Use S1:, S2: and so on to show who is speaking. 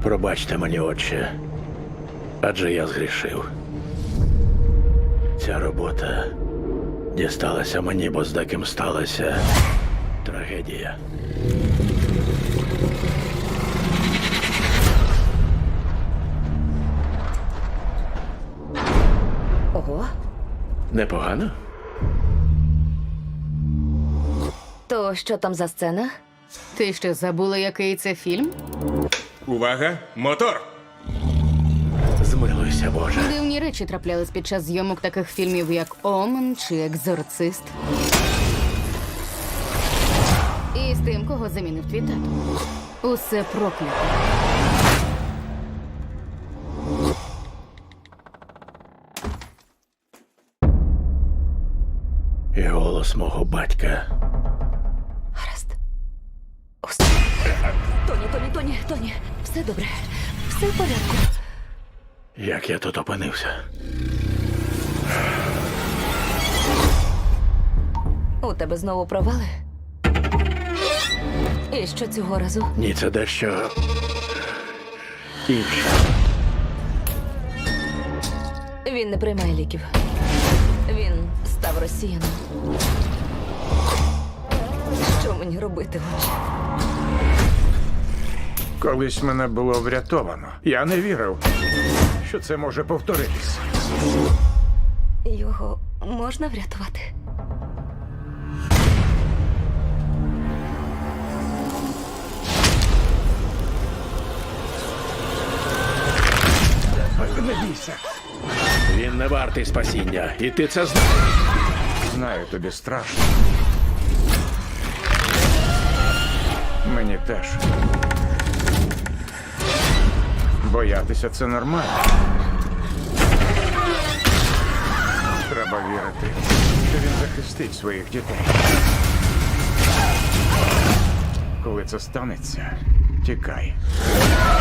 S1: Пробачте мені, отче, адже я згрішив. Ця робота дісталася мені, бо з деким сталася трагедія.
S2: Ого.
S1: Непогано?
S2: То що там за сцена?
S3: Ти що, забула, який це фільм?
S4: Увага! Мотор!
S1: Змилуйся, Боже.
S3: Дивні речі траплялись під час зйомок таких фільмів, як Омен чи Екзорцист. І з тим, кого замінив твій тато. Усе проклято.
S1: І голос мого батька.
S2: Гаразд. Тоні. Все добре. Все в порядку.
S1: Як я тут опинився?
S2: У тебе знову провали? І що цього разу?
S1: Ні, це дещо інше.
S2: Він не приймає ліків. Він став росіяном. Що мені робити, отче?
S5: Колись мене було врятовано. Я не вірив, що це може повторитись.
S2: Його можна врятувати?
S5: Не бійся.
S1: Він не вартий спасіння, і ти це знаєш.
S5: Знаю, тобі страшно. Мені теж. Боятися це нормально. Треба вірити, що він захистить своїх дітей. Коли це станеться, тікай.